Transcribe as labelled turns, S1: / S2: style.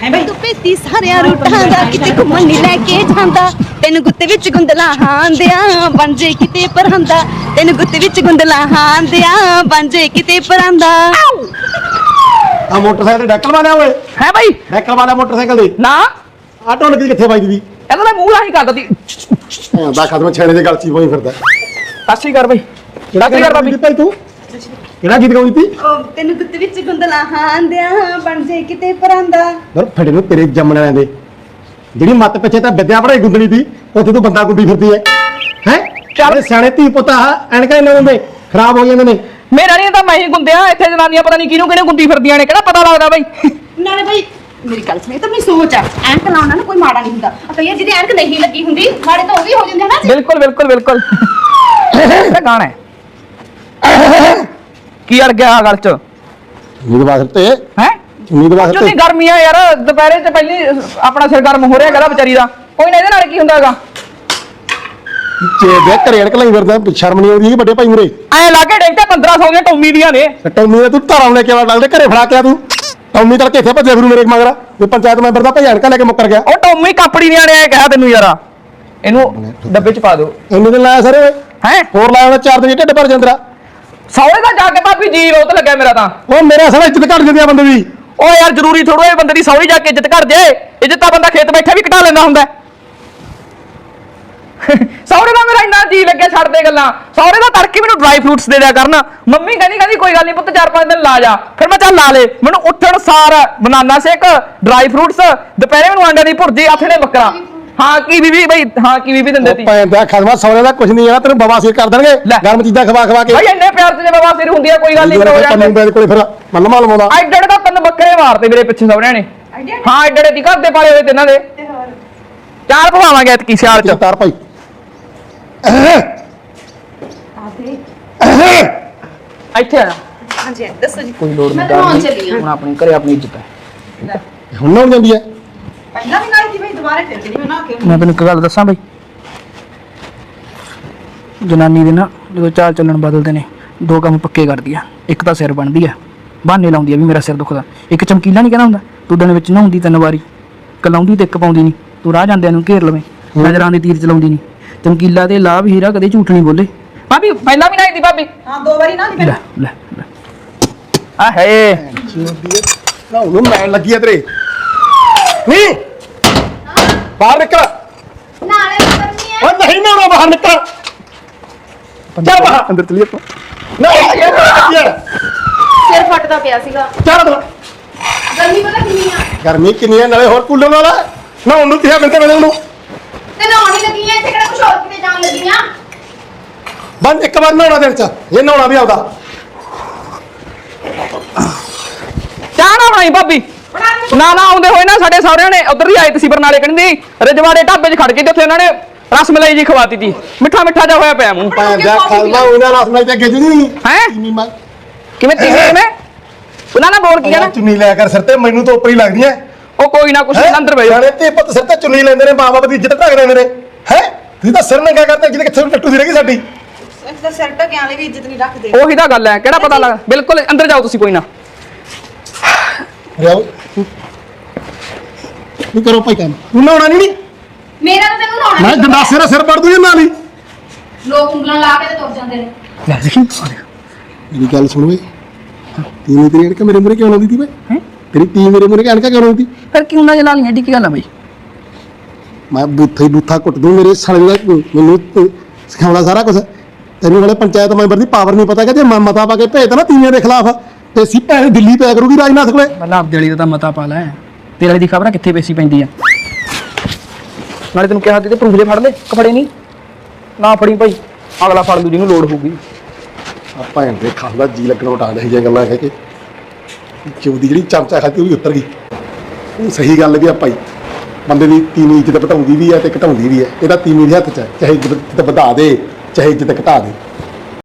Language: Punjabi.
S1: ਤੂੰ ਭੇਤੀ ਸਾਰਿਆਂ ਰੂਟਾਂ ਦਾ ਕਿਤੇ ਘੁੰਮਣ ਨਹੀਂ ਲੈ ਕੇ ਜਾਂਦਾ ਤੈਨੂੰ ਗੁੱਤ ਵਿੱਚ ਗੁੰਦਲਾ ਹਾਂਦਿਆਂ ਬਣ ਜੇ ਕਿਤੇ ਪਰਾਂਦਾ ਤੈਨੂੰ ਗੁੱਤ ਵਿੱਚ ਗੁੰਦਲਾ ਹਾਂਦਿਆਂ ਬਣ ਜੇ ਕਿਤੇ ਪਰਾਂਦਾ
S2: ਆ ਮੋਟਰਸਾਈਕਲ ਤੇ ਡੈਕਲ ਮਾਰਿਆ ਓਏ
S3: ਹੈ ਬਾਈ
S2: ਡੈਕਲ ਮਾਰਿਆ ਮੋਟਰਸਾਈਕਲ ਦੇ
S3: ਨਾ
S2: ਆ ਢੋਲਕੀ ਕਿੱਥੇ ਵੱਜਦੀ ਦੀ
S3: ਇਹਦਾ ਮੈਂ ਮੂੰਹ ਲਾਹੀ ਕਰਦਾ ਤੀ
S2: ਦਾ ਖਤਮ ਛੇੜੇ ਦੇ ਗਲ ਚ ਹੋਈ ਫਿਰਦਾ
S3: ਸਾਸੀ ਕਰ ਬਾਈ ਸਾਸੀ ਕਰ ਬਾਬੀ
S2: ਭਾਈ ਤੂੰ ਕਿਹੜਾ ਗੀਤ ਗਾਉਂਦੀ ਤੀ
S1: ਤੈਨੂੰ ਗੁੱਤ ਵਿੱਚ ਗੁੰਦਲਾ ਹਾਂਦਿਆਂ ਬਣ ਜੇ ਕਿਤੇ ਪਰਾਂਦਾ
S2: ਦਰ ਫੜੇ ਨੂੰ ਤੇਰੇ ਜੰਮਣ ਵਾਲਿਆਂ ਦੇ ਜਿਹੜੀ ਮੱਤ ਪਿੱਛੇ ਤਾਂ ਵਿਦਿਆ ਪੜਾਈ ਗੁੰਦਣੀ ਤੀ ਉੱਥੇ ਤੂੰ ਬੰਦਾ ਗੁੰਦੀ ਫਿਰਦੀ ਹੈ ਚੱਲ ਸਿਆਣੇ ਧੀ ਪੁੱਤ ਐਨਕਾਂ ਇਹਨਾਂ ਹੁੰਦੇ ਖਰਾਬ ਹੋ ਜਾਂਦੇ ਨੇ
S3: ਮੇਰਾ ਨਹੀਂ ਤਾਂ ਮੈਂ ਹੀ ਗੁੰਦਿਆ ਇੱਥੇ ਜਨਾਨੀਆਂ ਪਤਾ ਨਹੀਂ ਕਿਹਨੂੰ ਕਿਹਨੇ ਗੁੰਦੀ ਫਿਰਦੀਆਂ ਨੇ ਕਿਹੜਾ ਪਤਾ ਲੱਗਦਾ ਬਾਈ
S1: ਨਾਲੇ ਬਈ ਮੇਰੀ ਗੱਲ ਸੁਣ ਇਹ ਤਾਂ ਮੇਰੀ ਸੋਚ ਆ ਐਨਕ ਲਾਉਣਾ ਨਾ ਕੋਈ ਮਾੜਾ ਨਹੀਂ ਹੁੰਦਾ ਕਈਆਂ ਜਿਹਦੀ ਐਨਕ ਨਹੀਂ ਲੱਗੀ ਹੁੰਦੀ ਮਾੜੇ ਤਾਂ ਉਹ ਵੀ ਹੋ ਜਾਂਦੇ ਨਾ
S3: ਬਿਲਕੁਲ ਬਿਲਕੁਲ ਬਿਲਕੁਲ ਇਹ ਗਾਣਾ ਹੈ ਕੀ ਅੜ ਗਿਆ ਗੱਲ ਚ
S2: ਉਮੀਦਵਾਰ ਤੇ
S3: ਹੈ
S2: ਉਮੀਦਵਾਰ
S3: ਚੁੱਤੀ ਗਰਮੀ ਆ ਯਾਰ ਦੁਪਹਿਰੇ ਤੇ ਪਹਿਲੀ ਆਪਣਾ ਸਿਰ ਗਰਮ ਹੋ ਰਿਹਾ ਹੈਗਾ ਵਿਚਾਰੀ ਦਾ ਕੋਈ ਨਾ ਇਹਦੇ ਨਾਲ ਕੀ ਹੁੰਦਾ ਹੈਗਾ
S2: ਚੇ ਦੇ ਘਰੇ ਅੜਕ ਲਈ ਫਿਰਦਾ ਸ਼ਰਮ ਨਹੀਂ ਆਉਂਦੀ ਵੱਡੇ ਭਾਈ ਮੁਰੇ
S3: ਐ ਲਾਗੇ ਡੇਂਟੇ 1500 ਦੀਆਂ ਟੌਮੀ ਦੀਆਂ ਨੇ
S2: ਟੌਮੀ ਤੂੰ ਧਾਰਾਂ ਲੈ ਕੇ ਲੱਗਦੇ ਘਰੇ ਫੜਾ ਕੇ ਆ ਤੂੰ ਟੌਮੀ ਤੜਕੇ ਇੱਥੇ ਭੱਜਿਆ ਫਿਰੂ ਮੇਰੇ ਮਗਰ ਤੇ ਪੰਚਾਇਤ ਮੈਂਬਰ ਦਾ ਭਾਈ ਅੜਕਾ ਲੈ ਕੇ ਮੁੱਕਰ ਗਿਆ
S3: ਉਹ ਟੌਮੀ ਕੰਪਨੀ ਦੀਆਂ ਨੇ ਕਿਹਾ ਤੈਨੂੰ ਯਾਰਾ ਇਹਨੂੰ ਡੱਬੇ ਚ ਪਾ ਦਿਓ
S2: ਇੰਨੇ ਦਿਨ ਲਾਇਆ ਸਰ
S3: ਹੈ
S2: ਹੋਰ ਲਾਇਆ 4 ਦਿਨ ਢਿੱਡ ਭਰ ਜਾਂਦਰਾ
S3: ਸੌਰੇ ਦਾ ਜਾ ਕੇ ਭਾਬੀ ਜੀ ਰੋਤ ਲੱਗਿਆ ਮੇਰਾ ਤਾਂ
S2: ਉਹ ਮੇਰਾ ਸਾਰਾ ਇੱਜ਼ਤ ਘਟ ਜਾਂਦੀ ਆ ਬੰਦੇ ਦੀ
S3: ਉਹ ਯਾਰ ਜ਼ਰੂਰੀ ਥੋੜੋ ਇਹ ਬੰਦੇ ਦੀ ਸੌਰੀ ਜਾ ਕੇ ਇੱਜ਼ਤ ਕਰ ਜੇ ਇੱਜ਼ਤ ਤਾਂ ਬੰਦਾ ਖੇਤ ਬੈਠਾ ਵੀ ਘਟਾ ਲੈਂਦਾ ਹੁੰਦਾ ਸੌਰੇ ਦਾ ਮੇਰਾ ਇੰਨਾ ਜੀ ਲੱਗਿਆ ਛੱਡ ਦੇ ਗੱਲਾਂ ਸੌਰੇ ਦਾ ਤੜਕੇ ਮੈਨੂੰ ਡਰਾਈ ਫਰੂਟਸ ਦੇ ਦਿਆ ਕਰਨ ਮੰਮੀ ਕਹਿੰਦੀ ਕੋਈ ਗੱਲ ਨਹੀਂ ਪੁੱਤ 4-5 ਦਿਨ ਲਾ ਜਾ ਫਿਰ ਮੈਂ ਚੱਲ ਲਾ ਲੇ ਮੈਨੂੰ ਉੱਠਣ ਸਾਰ ਬਨਾਨਾ ਸ਼ੇਕ ਡਰਾਈ ਫਰੂਟਸ ਦੁਪਹਿਰੇ ਮੈਨੂੰ ਆਂਡਿਆਂ ਦੀ ਭੁਰਜੀ ਆਥਣੇ ਬੱਕਰਾ ਹਾਂ ਕੀ ਬੀਬੀ ਬਈ ਹਾਂ ਕੀ ਬੀਬੀ ਦਿੰਦੇ ਤੀ
S2: ਭੈਣ ਦਾ ਖਦਮਾ ਸੌਰੇ ਦਾ ਕੁਝ ਨਹੀਂ ਆ ਤੈਨੂੰ ਬਵਾਸੀਰ ਕਰ ਦੇਣਗੇ ਗਰਮ ਚੀਜ਼ਾਂ ਖਵਾ ਕੇ
S3: ਭਾਈ ਇੰਨੇ ਪਿਆਰ ਤੇ ਬਾਬਾ ਸਿਰ ਹੁੰਦੀ ਆ ਕੋਈ ਗੱਲ ਨਹੀਂ ਹੋ ਜਾਂਦੇ
S2: ਪੰਨੂ ਕੋਲੇ ਫਿਰ ਮੱਲਮਾ ਲਵਾਉਂਦਾ
S3: ਐਡੇ ਦਾ 3 ਬੱਕਰੇ ਮਾਰਤੇ ਮੇਰੇ ਪਿੱਛੇ ਸੌਰਿਆਂ ਨੇ ਹਾਂ ਐਡੇ ਦੀ ਘਰ ਦੇ ਪਾਲੇ ਹੋਏ ਤੇ ਇਹਨਾਂ ਦੇ 4 ਭਵਾਵਾਂਗੇ ਇਤਕੀ ਸਿਆਲ ਚ
S2: ਤਾਰ ਭਾਈ
S3: ਇੱਥੇ ਆ
S1: ਹਾਂਜੀ ਦੱਸੋ ਜੀ
S3: ਕੋਈ ਲੋੜ
S1: ਮੈਂ
S3: ਨਹੀਂ
S1: ਨਹਾਉਣ ਚੱਲੀ ਆਂ।
S3: ਹੁਣ ਆਪਣੀ ਘਰੇ ਆਪਣੀ ਇੱਜ਼ਤ ਹੈ
S2: ਹੁਣ ਨਾ ਜਾਂਦੀ ਹੈ
S1: ਪਹਿਲਾਂ ਵੀ ਨਾਈ ਦੀ ਬਈ ਦੁਬਾਰਾ ਫਿਰ ਜਿਹੜੀ ਮੈਂ ਨਾ ਕੇ
S3: ਮੈਂ ਤੈਨੂੰ ਇੱਕ ਗੱਲ ਦੱਸਾਂ ਬਈ ਜਨਾਨੀ ਦੇ ਨਾ ਜਦੋਂ ਚਾਲ ਚੱਲਣ ਬਦਲਦੇ ਨੇ 2 ਕੰਮ ਪੱਕੇ ਕਰਦੀ ਆ ਇੱਕ ਤਾਂ ਸਿਰ ਬਣਦੀ ਆ ਬਹਾਨੇ ਲਾਉਂਦੀ ਆ ਵੀ ਮੇਰਾ ਸਿਰ ਦੁਖਦਾ ਇੱਕ ਚਮਕੀਲਾ ਨਹੀਂ ਕਹਿੰਦਾ ਹੁੰਦਾ ਤੂੰ ਦਿਨ ਵਿੱਚ ਨਹਾਉਂਦੀ 3 ਵਾਰੀ ਕਲਾਉਂਦੀ ਤੇ ਇੱਕ ਪਾਉਂਦੀ ਨਹੀਂ ਤੂੰ ਰਾਹ ਜਾਂਦਿਆਂ ਨੂੰ ਘੇਰ ਲਵੇਂ ਨਜ਼ਰਾਂ ਦੇ ਤੀਰ ਚਲਾਉਂਦੀ ਨਹੀਂ ਚਮਕੀਲਾ ਤੇ ਲਾਭ ਹੀਰਾ ਕਦੇ ਝੂਠ ਨਹੀਂ ਬੋਲੇ ਭਾਬੀ ਪਹਿਲਾਂ ਵੀ ਨਾਈ ਦੀ ਭਾਬੀ
S1: ਹਾਂ 2 ਵਾਰੀ ਨਾ ਦੀ
S3: ਲੈ ਲੈ ਆ ਹੈ
S2: ਨਾ ਉਹਨੂੰ ਮੈਂ ਲੱਗੀ ਆ ਤੇਰੇ ਨਹੀਂ ਬਾਹਰ ਨਿਕਲ
S1: ਨਾਲੇ ਕਰਨੀ ਹੈ
S2: ਓ ਨਹੀਂ ਨਾ ਬਾਹਰ ਨਿਕਲ ਚੱਲ ਬਾਹਰ ਅੰਦਰ ਚਲੀਏ ਤੂੰ ਨਹੀਂ ਯਾਰ
S1: ਸਿਰ ਫਟਦਾ ਪਿਆ ਸੀਗਾ
S2: ਚੱਲ ਤੂੰ
S1: ਗਰਮੀ ਪਤਾ ਕਿੰਨੀ ਆ
S2: ਗਰਮੀ ਕਿੰਨੀ ਹੈ ਨਾਲੇ ਹੋਰ ਕੂਲਰ ਵਾਲਾ ਨਾ ਉਹਨੂੰ ਕਿਹਾ ਮਿੰਟੇ ਮਿਲਣ ਨੂੰ
S1: ਤੇ ਨਹਾਉਣ ਹੀ ਲੱਗੀ ਆ ਇੱਥੇ ਕਿਹੜਾ ਕੁਛ ਹੋਰ ਕਿਤੇ ਜਾਣ ਲੱਗੀ ਆ
S2: ਬੰਦ ਇੱਕ ਵਾਰ ਨਹਾਉਣਾ ਦਿਨ ਚ ਇਹ ਨਹਾਉਣਾ ਵੀ ਆਉਂਦਾ
S3: ਚਾਹ ਨਾ ਬਣਾਈ ਭਾਬੀ ਨਾ ਆਉਂਦੇ ਹੋਏ ਨਾ ਸਾਡੇ ਸਹੁਰਿਆਂ ਨੇ ਉਧਰ ਹੀ ਆਏ ਸੀ ਬਰਨਾਲੇ ਕਹਿੰਦੀ ਰਜਵਾੜੇ ਢਾਬੇ 'ਚ ਖੜ ਕੇ ਤੇ ਉੱਥੇ ਉਹਨਾਂ ਨੇ ਰਸ ਮਲਾਈ ਜੀ ਖਵਾਤੀ ਤੀ ਮਿੱਠਾ ਜਿਹਾ ਹੋਇਆ ਪਿਆ ਮੂੰਹ
S2: ਭੈਣ ਦਾ ਖਾਲਮਾ ਉਹਨਾਂ ਰਸ ਨਾਲ ਤੇ ਗਿੱਜ ਨਹੀਂ
S3: ਹੈ
S2: ਕਿਵੇਂ
S3: ਕਿਵੇਂ ਉਹਨਾਂ ਨਾਲ ਬੋਲ ਕੀ ਕਹਿਣਾ
S2: ਚੁੰਨੀ ਲਿਆ ਕਰ ਸਿਰ ਤੇ ਮੈਨੂੰ ਤਾਂ ਉੱਪਰ ਹੀ ਲੱਗਦੀ ਹੈ
S3: ਉਹ ਕੋਈ ਨਾ ਕੁਛ ਅੰਦਰ ਬਈ
S2: ਜਾਣੇ ਤੇ ਪੁੱਤ ਸਿਰ ਤੇ ਚੁੰਨੀ ਲੈਂਦੇ ਨੇ ਮਾਂ ਬਾਪ ਦੀ ਇੱਜ਼ਤ ਢੱਕ ਦਿੰਦੇ ਨੇ ਹੈ ਤੁਸੀਂ ਤਾਂ ਸਿਰ ਨੰਗਾ ਕਰਦੇ ਜਿਹਦੇ ਕਿੱਥੇ ਟੱਟੂ ਦੀ ਰਹਿ ਗਈ ਸਾਡੀ
S1: ਇਸ ਦਾ ਸਿਰ ਢਕਿਆਂ ਵਾਲੇ ਵੀ ਇੱਜ਼ਤ ਨਹੀਂ ਰੱਖਦੇ
S3: ਉਹੀ ਤਾਂ ਗੱਲ ਹੈ ਕਿਹੜਾ ਪਤਾ ਲੱਗ ਬਿਲਕੁਲ ਅੰਦਰ ਜਾਓ ਤੁਸੀਂ ਕੋਈ ਨਾ
S2: ਰਿਆਓ ਨਹੀਂ ਕਰੋ ਭਾਈ ਕੰਮ ਤੂੰ ਨਹਾਉਣਾ ਨਹੀਂ
S1: ਮੇਰਾ ਤਾਂ ਤੈਨੂੰ ਨਹਾਉਣਾ
S2: ਮੈਂ ਗੰਡਾਸੇ ਦਾ ਸਿਰ ਪੜ ਦੂੰ ਨਾਲ ਹੀ
S1: ਲੋਕ ਉਂਗਲਾਂ ਲਾ ਕੇ ਤੇ ਤੁਰ ਜਾਂਦੇ ਨੇ
S2: ਲੈ ਦੇਖੀ ਮੇਰੀ ਗੱਲ ਸੁਣ ਵੇ ਤੀਵੀਂ ਤੇਰੀ ਅਣਕਾ ਮੇਰੇ ਮੂਹਰੇ ਕਿਉਂ ਲਾਉਂਦੀ ਤੀ ਬਈ
S3: ਹੈ
S2: ਤੇਰੀ ਤੀ ਮੇਰੇ ਮੂਹਰੇ ਅਣਕਾ ਕਿਉਂ ਲਾਉਂਦੀ
S3: ਫਿਰ ਕਿਉਂ ਨਾ ਜਲਾ ਲਈਆਂ ਏਡੀ ਕੀ ਗੱਲ ਆ ਬਈ
S2: ਮੈਂ ਬੂਥਾ ਕੁੱਟ ਦੂੰ ਮੇਰੇ ਸਾਲੇ ਦਾ ਮੈਨੂੰ ਸਿਖਾਉਣਾ ਸਾਰਾ ਕੁਝ ਤੈਨੂੰ ਵਾਲੇ ਪੰਚਾਇਤ ਮੈਂਬਰ ਦੀ ਪਾਵਰ ਨਹੀਂ ਪਤਾ ਕਿ ਜੇ ਮੈਂ ਮਤਾ ਪਾ ਕੇ ਭੇਜਦਾ ਨਾ ਤੀਵੀਆਂ ਦੇ ਖਿਲਾਫ ਤੇ ਸੀ ਭੈਣ ਦਿੱਲੀ ਪਿਆ ਕਰੂਗੀ ਰਾਜਨਾਥ ਕੋਲੇ
S3: ਮਤਲਬ ਆਪਦੇ ਵਾਲੀ ਦਾ ਤਾਂ ਮਤਾ ਪਾ ਲੈ ਤੇਰੇ ਵਾਲੀ ਦੀ ਖਬਰ ਆ ਕਿੱਥੇ ਪੇਸੀ ਪੈਂਦੀ ਆ ਨਾਲੇ ਤੈਨੂੰ ਕਿਹਾ ਤੇ ਪ੍ਰੂਫ ਜੇ ਫੜ ਲੈ ਕਫੜੇ ਨਹੀਂ ਨਾ ਫੜੀ ਭਾਈ ਅਗਲਾ ਫੜ ਲੂ ਜਿਹਨੂੰ ਲੋੜ ਹੋਊਗੀ
S2: ਆ ਭੈਣ ਦੇ ਖਾਂਦਾ ਜੀ ਲੱਗਣਾ ਉਟਾ ਦੇ ਜਿਹੀਆਂ ਗੱਲਾਂ ਕਹਿ ਕੇ ਚੌਦੀ ਜਿਹੜੀ ਚਮਚਾ ਖਾਤੀ ਉਹ ਵੀ ਉਤਰ ਗਈ ਉਹ ਸਹੀ ਗੱਲ ਵੀ ਆ ਭਾਈ ਬੰਦੇ ਦੀ ਤੀਵੀਂ ਇੱਜ਼ਤ ਘਟਾਉਂਦੀ ਵੀ ਹੈ ਤੇ ਘਟਾਉਂਦੀ ਵੀ ਹੈ ਇਹਦਾ ਤੀਵੀਂ ਦੇ ਹੱਥ 'ਚ ਹੈ ਚਾਹੇ ਇੱਜ਼ਤ ਵਧਾ ਦੇ ਚਾਹੇ ਇੱਜ਼ਤ ਘਟਾ ਦੇ